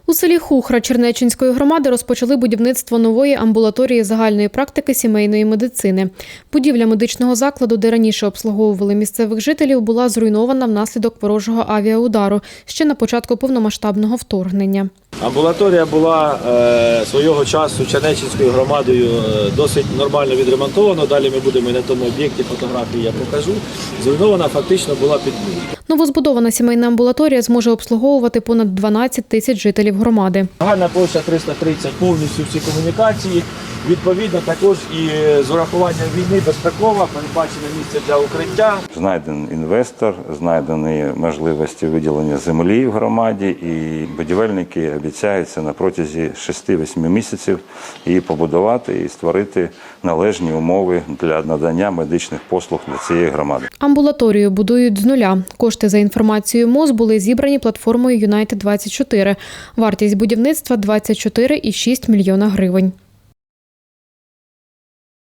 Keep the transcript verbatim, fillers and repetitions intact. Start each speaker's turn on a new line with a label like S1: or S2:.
S1: У селі Хухра Чернеччинської громади розпочали будівництво нової амбулаторії загальної практики сімейної медицини. Будівля медичного закладу, де раніше обслуговували місцевих жителів, була зруйнована внаслідок ворожого авіаудару ще на початку повномасштабного вторгнення.
S2: Амбулаторія була е, свого часу Чернеччинською громадою е, досить нормально відремонтована. Далі ми будемо і на тому об'єкті, фотографії я покажу. Зруйнована фактично була під нуль.
S1: Новозбудована сімейна амбулаторія зможе обслуговувати понад дванадцять тисяч жителів громади.
S2: Загальна площа триста тридцять, повністю всі комунікації. Відповідно, також і з урахуванням війни безпекова, передбачене місце для укриття.
S3: Знайдений інвестор, знайдені можливості виділення землі в громаді, і будівельники обіцяються на протязі шести-восьми місяців її побудувати і створити належні умови для надання медичних послуг для цієї громади.
S1: Амбулаторію будують з нуля. Кошти, за інформацією МОЗ, були зібрані платформою Юнайтед двадцять чотири. Вартість будівництва – двадцять чотири цілих шість десятих мільйона гривень.